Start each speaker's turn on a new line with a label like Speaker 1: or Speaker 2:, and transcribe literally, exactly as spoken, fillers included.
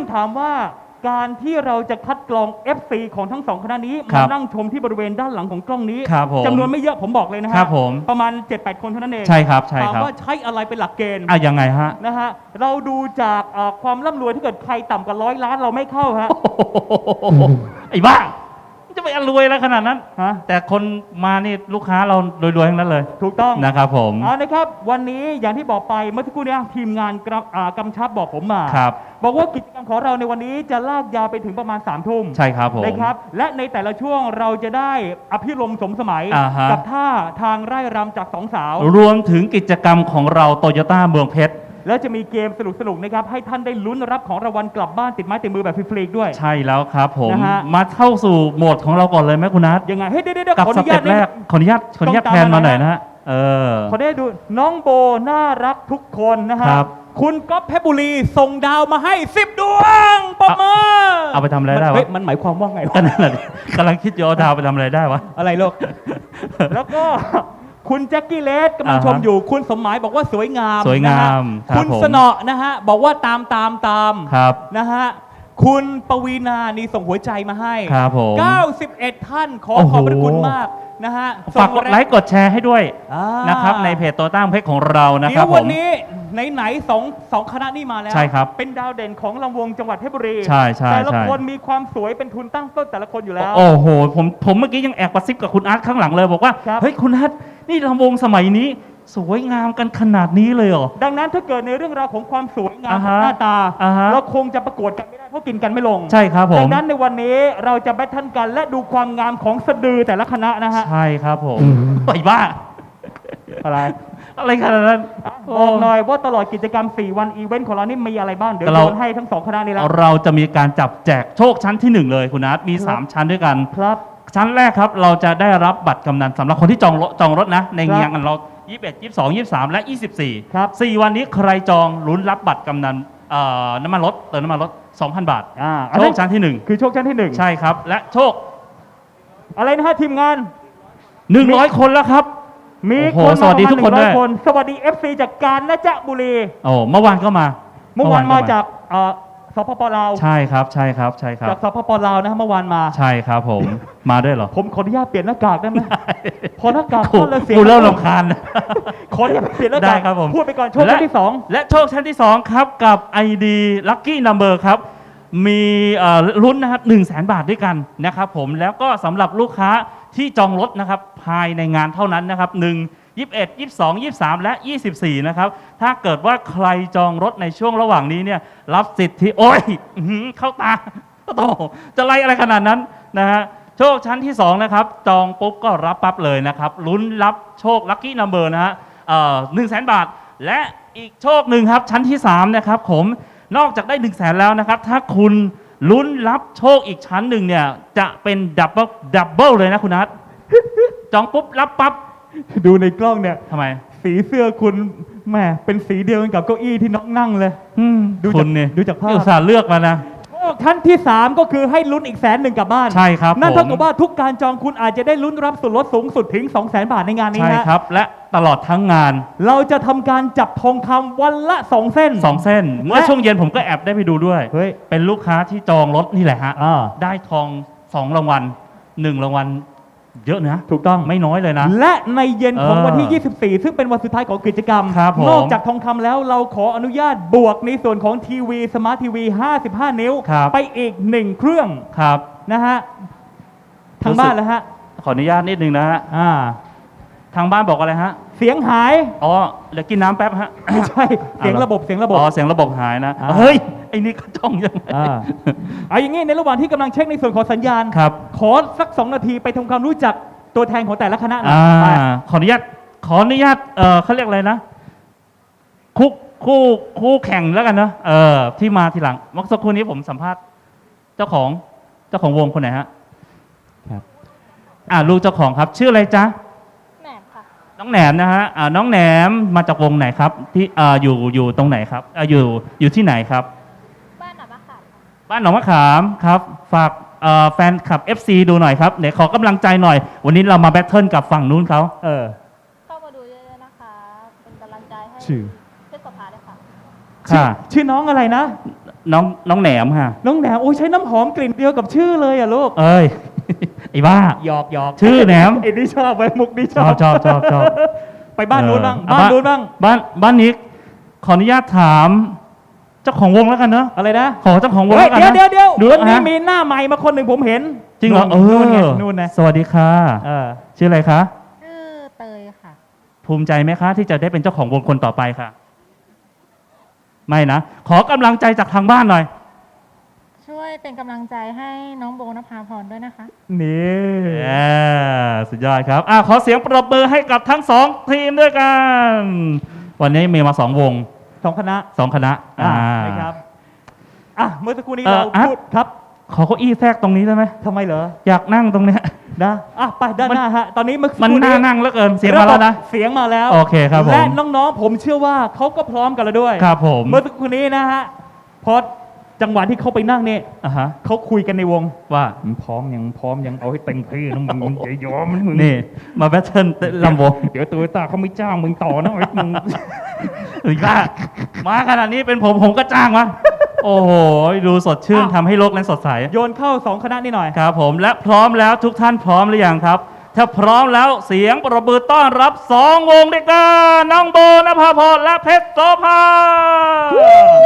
Speaker 1: ถามว่าการที่เราจะคัดกรอง เอฟ ซี ของทั้งสองคณะนี้
Speaker 2: ครั
Speaker 1: มา
Speaker 2: บ
Speaker 1: นั่งชมที่บริเวณด้านหลังของกล้องนี้
Speaker 2: ครับผม
Speaker 1: จำนวนไม่เยอะผมบอกเลยนะฮะ
Speaker 2: ครับผม
Speaker 1: ประมาณ เจ็ดแปด คนเท่านั้นเอง
Speaker 2: ใช่ครับใช่
Speaker 1: ถาม
Speaker 2: ครับ
Speaker 1: ว่าใช้อะไรเป็นหลักเกณฑ์
Speaker 2: อ่ะยังไงฮะ
Speaker 1: นะฮะเราดูจากเอ่อความร่ำรวยถ้าเกิดใครต่ำกว่าร้อยล้านเราไม่เข้าฮะ
Speaker 2: ไอ้บ้าจะไปรวยแล้วขนาดนั้น
Speaker 1: ฮะ
Speaker 2: แต่คนมานี่ลูกค้าเรารวยๆทั้งนั้นเลย
Speaker 1: ถูกต้อง
Speaker 2: นะครับผม
Speaker 1: เอานะครับวันนี้อย่างที่บอกไปเมื่อสักครู่เนี้ทีมงานกำอ่ากำชับบอกผมมา
Speaker 2: ครับ
Speaker 1: บอกว่ากิจกรรมของเราในวันนี้จะลากยาวไปถึงประมาณ3ามทุ่ม
Speaker 2: ใช่ครับผม
Speaker 1: นะครับและในแต่ละช่วงเราจะได้อภิรมย์สมสมัย
Speaker 2: อ่าฮะ
Speaker 1: กับท่าทางไร่รำจากสองสาว
Speaker 2: รวมถึงกิจกรรมของเราโตโยต้าเมืองเพชร
Speaker 1: แล้วจะมีเกมสนุกๆนะครับให้ท่านได้ลุ้นรับของรางวัลกลับบ้านติดไม้ติดมือแบบฟรีๆด้วย
Speaker 2: ใช่แล้วครับผม
Speaker 1: นะฮะ
Speaker 2: มาเข้าสู่โหมดของเราก่อนเลยไหมคุณนัท
Speaker 1: ยังไงเฮ้ยเดี๋ยวเดี๋ยว
Speaker 2: กับ
Speaker 1: ขออ
Speaker 2: ส
Speaker 1: นุญา
Speaker 2: เต็
Speaker 1: ต
Speaker 2: ปแรกขออนุญาตขออนุญาต
Speaker 1: ต้อง
Speaker 2: แพ
Speaker 1: ตาม
Speaker 2: นมา
Speaker 1: มา
Speaker 2: หน่อย
Speaker 1: หน่อย
Speaker 2: นะฮะเออ
Speaker 1: ขอได้ดูน้องโบน่ารักทุกคนนะฮะ
Speaker 2: ครับ
Speaker 1: คุณก๊อฟเพชรบุรีส่งดาวมาให้สิบดวงปรบมือ
Speaker 2: เอาไปทำอะไรได้วะ
Speaker 1: เฮ้ยมันหมายความว่าไง
Speaker 2: ก็
Speaker 1: วะ
Speaker 2: นั่นแหละดิกำลังคิดอยู่เอาดาวไปทำอะไรได้วะ
Speaker 1: อะไรลูก แล้วก็คุณแจ็คกี้เลสกำลัง
Speaker 2: อ่าฮะ
Speaker 1: ชมอยู่ คุณสมหมายบอกว่าสวยงาม
Speaker 2: สวยงาม
Speaker 1: นะฮะ
Speaker 2: ครับ
Speaker 1: คุณ
Speaker 2: ผม
Speaker 1: สนอนะฮะบอกว่าตามตามตาม
Speaker 2: ครับ
Speaker 1: นะฮะคุณปวีนานี่ส่งหัวใจมาให้
Speaker 2: ครับผม
Speaker 1: เก้าสิบเอ็ดท่านขอ
Speaker 2: โอ้โห
Speaker 1: ขอบพระคุณมากนะฮะ
Speaker 2: ฝากกดไลค์กดแชร์ให้ด้วย
Speaker 1: อ่า
Speaker 2: นะครับในเพจโตโยต้าเมืองเพชรของเรานะค
Speaker 1: เดี๋
Speaker 2: รั
Speaker 1: ย
Speaker 2: บ
Speaker 1: ว
Speaker 2: ผ
Speaker 1: วัน
Speaker 2: ม
Speaker 1: นี้ไหนๆสองสองคณะนี้มาแล้ว
Speaker 2: ใช่ครับ
Speaker 1: เป็นดาวเด่นของลำวงจังหวัดเพชรบุรี
Speaker 2: ใช่ใช่
Speaker 1: แต่ละ
Speaker 2: ใช่
Speaker 1: คนมีความสวยเป็นทุนตั้งต้นแต่ละคนอยู่แล้ว
Speaker 2: โอ้โหผมผมเมื่อกี้ยังแอบกระซิบกับคุณอาร์ตข้างหลังเลยบอกว่า
Speaker 1: ครับ
Speaker 2: เฮ้ยคุณอาร์ตนี่ลำวงสมัยนี้ สวยงามกันขนาดนี้เลยเหรอ
Speaker 1: ดังนั้นถ้าเกิดในเรื่องราวของความสวยงาม
Speaker 2: อ่า
Speaker 1: ข
Speaker 2: ฮะ
Speaker 1: องหน้าตา
Speaker 2: อ่าฮะ
Speaker 1: เราคงจะประกวดกันไม่ได้เพราะกินกันไม่ลง
Speaker 2: ใช่ครับผ
Speaker 1: ดั
Speaker 2: ม
Speaker 1: งนั้นในวันนี้เราจะแบทเทิลกันและดูความงามของสะดือแต่ละคณะนะฮะ
Speaker 2: ใช่ครับผมไอ้บ้า
Speaker 1: อะไร
Speaker 2: อะไรขนาดนั้น
Speaker 1: บอกหน่อยว่าตลอดกิจกรรมสี่วันอีเวนต์ของเรานี่มีอะไรบ้างเดี๋ยว
Speaker 2: เรา
Speaker 1: โยนให้ทั้งสองคณะนี้แล้ว
Speaker 2: เราจะมีการจับแจกโชคชั้นที่หนึ่งเลยคุณอาร์ตมี
Speaker 1: ครับ
Speaker 2: สามชั้นด้วยกัน
Speaker 1: ครับ
Speaker 2: ชั้นแรกครับเราจะได้รับบัตรกำนันสำหรับคนที่จองรถจองรถนะ ใน
Speaker 1: ครับ
Speaker 2: งานเรายี่สิบเอ็ด ยี่สิบสอง ยี่สิบสาม และ ยี่สิบสี่
Speaker 1: ครับ
Speaker 2: สี่วันนี้ใครจองลุ้นรับบัตรกำนันเอ่อน้ำมันรถเติมน้ำมันรถ สองพัน บาท
Speaker 1: อ่า
Speaker 2: โชคชั้นที่หนึ่ง
Speaker 1: คือโชคชั้นที่หนึ่ง
Speaker 2: ใช่ครับ และโชค
Speaker 1: อะไรนะฮะทีมงาน
Speaker 2: หนึ่งร้อย คนแล้วครับ
Speaker 1: มี
Speaker 2: โอ้โห
Speaker 1: คน
Speaker 2: สวัสดีทุกคน
Speaker 1: มาประมาณ
Speaker 2: ด้วย
Speaker 1: หงร้อคน สวัสดี เอฟ ซี จากกาญจนบุรี
Speaker 2: โอ้เมื่อวานก็มา
Speaker 1: เมื่อวานมาจากเอ่อสปปลาว
Speaker 2: ใช่ครับใช่ครับใช่ครับ
Speaker 1: จากสปปลาวนะฮะเมื่อวานมา
Speaker 2: ใช่ครับผม มาด้วยเหรอ
Speaker 1: ผมขออนุญาตเปลี่ยนหน้ากากได้ไหมพอหน้ากาก
Speaker 2: กู
Speaker 1: ก็เลยเสียง
Speaker 2: กูเริ่มรำคาญ
Speaker 1: ขออนุญาตเปลี่ยนหน้ากาก
Speaker 2: ได้ครับผม
Speaker 1: พูดไปก่อนโชคชั้นที่สอง
Speaker 2: และโชคชั้นที่สองครับกับ ไอ ดี Lucky Number ครับ มีเอ่อลุ้นนะครับหนึ่งแสนบาทด้วยกันนะครับผมแล้วก็สำหรับลูกค้าที่จองรถนะครับภายในงานเท่านั้นนะครับหนึ่ง ยี่สิบเอ็ด ยี่สิบสอง ยี่สิบสาม และ ยี่สิบสี่ นะครับ ถ้าเกิดว่าใครจองรถในช่วงระหว่างนี้เนี่ยรับสิทธิโอ้ยอื้อหือเข้าตาโตจะไล่อะไรขนาดนั้นนะฮะโชคชั้นที่สองนะครับจองปุ๊บก็รับปั๊บเลยนะครับลุ้นรับโชค Lucky Number นะฮะหนึ่งแสนบาท และอีกโชคหนึ่งครับชั้นที่สามนะครับผมนอกจากได้หนึ่งแสนแล้วนะครับถ้าคุณลุ้นรับโชคอีกชั้นหนึ่งเนี่ยจะเป็นดับเบิลดับเบิลเลยนะคุณนัทจองปุ๊บรับปั๊บ
Speaker 1: ดูในกล้องเนี่ย
Speaker 2: ทำไม
Speaker 1: สีเสื้อคุณแหมเป็นสีเดียวกันกับเก้าอี้ที่น้องนั่งเลย
Speaker 2: อืม
Speaker 1: ดูจาก
Speaker 2: คุณเนี่ย
Speaker 1: ดูจากภาพ
Speaker 2: อุตส่าห์เลือกมานะ
Speaker 1: โชคชั้นที่สามก็คือให้ลุ้นอีกแสนหนึ่งกลับบ้าน
Speaker 2: ใช่ครับ
Speaker 1: นั่น
Speaker 2: ผม
Speaker 1: เท่ากับว่าทุกการจองคุณอาจจะได้ลุ้นรับส่วนลดสูงสุดถึง สองแสน บาทในงานนี้
Speaker 2: ใช่
Speaker 1: นะครับ
Speaker 2: และตลอดทั้งงาน
Speaker 1: เราจะทำการจับทองคำวันละสองเส้น
Speaker 2: สองเส้น เมื่อช่วงเย็นผมก็แอบได้ไปดูด้วย
Speaker 1: เฮ้ย
Speaker 2: เป็นลูกค้าที่จองรถนี่แหละฮะ
Speaker 1: อ่า
Speaker 2: ได้ทองสองรางวัลหนึ่งรางวัลเยอะนะ
Speaker 1: ถูกต้อง
Speaker 2: ไม่น้อยเลยนะ
Speaker 1: และในเย็นของ
Speaker 2: เออ
Speaker 1: วันที่ ยี่สิบสี่ ซึ่งเป็นวันสุดท้ายของกิจกรรม
Speaker 2: ครับผม
Speaker 1: นอกจากทองคำแล้วเราขออนุญาตบวกในส่วนของทีวีสมาร์ททีวีห้าสิบห้า นิ้ว
Speaker 2: ครับ
Speaker 1: ไปอีกหนึ่งเครื่อง
Speaker 2: ครับ
Speaker 1: นะฮะทางบ้านแล้วฮะ
Speaker 2: ขออนุญาตนิดนึงนะฮะ
Speaker 1: อ่า
Speaker 2: ทางบ้านบอกอะไรฮะ
Speaker 1: เสียงหาย
Speaker 2: อ๋อเดี๋ยวกินน้ำแป๊บฮะ
Speaker 1: ไม่ใช่ เสียงระบบเสียงระบบ
Speaker 2: อ๋อเสียงระบบหายนะ
Speaker 1: อ่า
Speaker 2: เฮ้ยไอ้นี่ก็จ้องยังไง
Speaker 1: อ่าเอาอย่างนี้ในระหว่างที่กำลังเช็คในส่วนของสัญญาณ
Speaker 2: ครับ
Speaker 1: ขอสักสองนาทีไปทำความรู้จักตัวแทนของแต่ละคณะหน่อย
Speaker 2: อ่า
Speaker 1: ไป
Speaker 2: ขออนุญาตขออนุญาตเออเขาเรียกอะไรนะคู่คู่คู่แข่งแล้วกันนะเออที่มาทีหลังเมื่อสักครู่นี้ผมสัมภาษณ์เจ้าของเจ้าของวงคนไหนฮะ
Speaker 1: ครับ
Speaker 2: อ่าลูกเจ้าของครับ ชื่ออะไรจ๊ะ
Speaker 3: แหนมค่ะ
Speaker 2: น้องแหนมนะฮะอ่าน้องแหนมมาจากวงไหนครับ ที่อ่าอยู่อยู่ตรงไหนครับอ่าอยู่อยู่ที่ไหนครับ
Speaker 3: บ้านหนองมะขามค่ะ
Speaker 2: บ้านหนองมะขามครับ ฝากเอ่อแฟนคลับ เอฟ ซี ดูหน่อยครับเดี๋ยวขอกำลังใจหน่อย วันนี้เรามาแบทเทิลกับฝั่งนู้นเขา
Speaker 1: เออ
Speaker 3: เข้ามาดูเยอะๆนะคะ เป็นกำลังใจให้
Speaker 1: ชื่อ
Speaker 3: เพชรสภาด้วยค่ะ
Speaker 1: ชื่อ
Speaker 2: ค่ะ
Speaker 1: ชื่อน้องอะไรนะ
Speaker 2: น้องน้องแหนมค่ะ
Speaker 1: น้องแหนมโอ้ยใช้น้ำหอมกลิ่นเดียวกับชื่อเลยอ่ะลูก
Speaker 2: เอ้ย ไอ้บ้า
Speaker 1: หยอกหยอก
Speaker 2: ชื่อแหนม
Speaker 1: ไอ้นี่ชอบไปมุกนี่ช
Speaker 2: ช
Speaker 1: อ
Speaker 2: อ
Speaker 1: บบ
Speaker 2: ชอบชอบชอบ
Speaker 1: ไปบ้านนู้นบ้าง
Speaker 2: เออ
Speaker 1: บ้านนู้นบ้าง
Speaker 2: บ้านบ้านนี้ขออนุญาตถาม เจ้าของวงแล้วกันเนอะ
Speaker 1: อะไรนะ
Speaker 2: ขอเจ้าของวง
Speaker 1: เฮ้ย
Speaker 2: แล้วกัน
Speaker 1: เดี๋ยว
Speaker 2: นะ
Speaker 1: เดี๋ยวเดี๋ยว
Speaker 2: ดู
Speaker 1: วันนี้
Speaker 2: ฮะ
Speaker 1: มีหน้าใหม่มาคนหนึ่งผมเห็น
Speaker 2: จริงเหรอเอ
Speaker 1: นู่นไง
Speaker 2: อ
Speaker 1: นู่นนะ
Speaker 2: สวัสดีค่ะ
Speaker 1: เออ
Speaker 2: ชื่ออะไรคะ
Speaker 3: ชื่อเตยค่ะ
Speaker 2: ภูมิใจไหมคะ ที่จะได้เป็นเจ้าของวงคนต่อไปค่ะ ไม่นะ ขอกำลังใจจากทางบ้านหน่อย
Speaker 3: ช่วยเป็นกำลังใจให้น้องโบนภาพรด้วยนะคะ
Speaker 1: นี่
Speaker 2: เย้สุดยอดครับอ่ะขอเสียงปรบมือให้กับทั้งสองทีมด้วยกัน วันนี้มีมาสองวง
Speaker 1: สองคณะ
Speaker 2: สองคณะ
Speaker 1: อ่า
Speaker 2: อ่า
Speaker 1: นะครับอ่ะเมื่อสักครู่นี้
Speaker 2: เอ่อ
Speaker 1: เรา
Speaker 2: อ่ะ
Speaker 1: พูดครับ
Speaker 2: ขอเก้าอี้แทรกตรงนี้ได้ไหม
Speaker 1: ทำไมเหรอ
Speaker 2: อยากนั่งตรงเนี้ย
Speaker 1: นะอ่ะไปด้านหน้าฮะตอนนี้เมื่อสักค
Speaker 2: มัน
Speaker 1: รู่
Speaker 2: น่านั่งเหลือเกินเสียงมาแล้วนะ
Speaker 1: เสียงมาแล้ว
Speaker 2: โอเคครับผม
Speaker 1: และน้องๆผมเชื่อว่าเขาก็พร้อมกันแล้วด้วย
Speaker 2: ครับผม
Speaker 1: เมื่อสักครู่นี้นะฮะพอจังหวะที่เขาไปนั่งเนี่ย
Speaker 2: อ่ะฮะ
Speaker 1: เขาคุยกันในวง
Speaker 2: ว่า
Speaker 1: มึงพร้อมยังพร้อมยังเอาให้เต็มที่นะมึงมึงอย่ายอมนะมึง
Speaker 2: นี่ มาแบทเทิลเต้นลำวง
Speaker 1: เดี๋ยวตัวตาเขาไม่จ้างมึงต่อนะไอ้มึง
Speaker 2: หรือว่ามาขนาดนี้เป็นผมผมก็จ้างวะโอ้โห ดูสดชื่น
Speaker 1: อ้าว
Speaker 2: ทำให้โลกนั้นสดใส
Speaker 1: โยนเข้าสองคณะนี่หน่อย
Speaker 2: ครับผมและพร้อมแล้วทุกท่านพร้อมหรือยังครับ ถ้าพร้อมแล้วเสียงปรบมือต้อนรับสองวงด้วยกันน้องโบนภาพรและเพชรโสภา